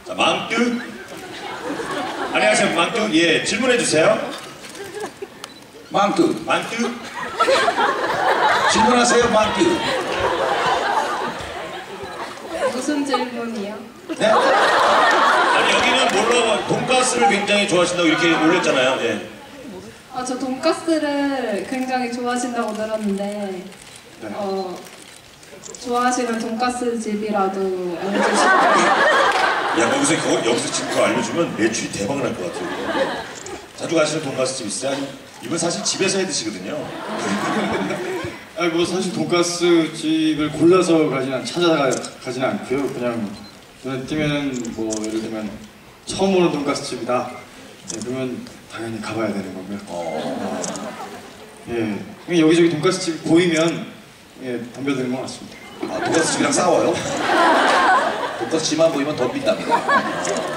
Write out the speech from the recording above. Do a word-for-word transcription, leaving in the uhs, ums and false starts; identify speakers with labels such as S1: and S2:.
S1: 자, 망뚜. 안녕하세요, 망뚜. 예, 질문해 주세요.
S2: 망뚜.
S1: 망뚜.
S2: 질문하세요, 망뚜.
S3: 무슨 질문이요?
S2: 네?
S1: 아니 여기는 뭘로 돈가스를 굉장히 좋아하신다고 이렇게 올렸잖아요. 예.
S3: 아, 저 돈가스를 굉장히 좋아하신다고 들었는데
S2: 네.
S3: 어, 좋아하시는 돈가스 집이라도 알려주실까요?
S1: 야, 여기서 그거 여기서 지금 그거 알려주면 매출이 대박 날 것 같아요. 자주 가시는 돈가스 집 있어요? 이분 사실 집에서 해 드시거든요.
S4: 아니 뭐 사실 돈가스 집을 골라서 가진 않, 찾아가 가지는 않고요. 그냥 눈에 띄면은 뭐 예를 들면 처음 오는 돈가스 집이다. 네, 그러면 당연히 가봐야 되는 거고요.
S1: 어.
S4: 예, 그냥 여기저기 돈가스 집 보이면 예 덤벼드는 것 같습니다.
S2: 아, 돈가스 집이랑 싸워요? 돈가스 집만 보이면 덤빈답니다.